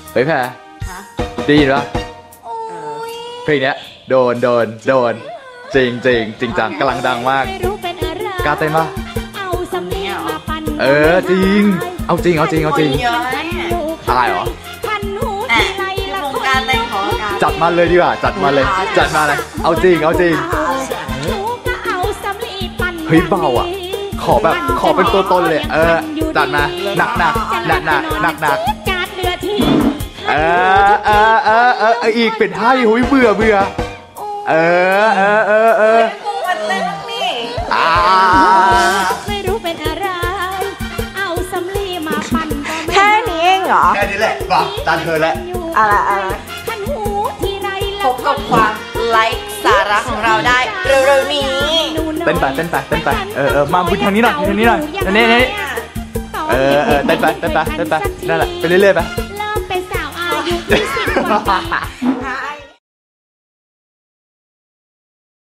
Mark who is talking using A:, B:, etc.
A: เฮ้ยแพรได้ยินปะเพลงเนี้ยโดนจริงจังกำลังดังมากกล้าเต้นปะจริงเอาจริงอายเหรอ
B: การเต้นของการ
A: จัดมาเลยดีกว่าจัดมาเลยเอาจริงเฮ้ยเบาอ่ะขอเป็นตัวตนเลยจัดมาหนักอีกเป็นให้หุยเบื่อ
B: มันเต้นนี่
C: ไม่รู้เป็นอะไรเอาสำลีมาปั่น
B: แค่นี้เองเหรอ
A: แค่นี้แหละป่ะตาเธอแล้ว
B: อะไรพบกับความไร้สาระของเราได้เร็วๆนี้
A: เต้นไปมาบุญทางนี้หน่อยนี่เต้นไปนั่นแหละไปเรื่อยๆไป
C: เริ่มเป็นสาวอายุ20 กว่า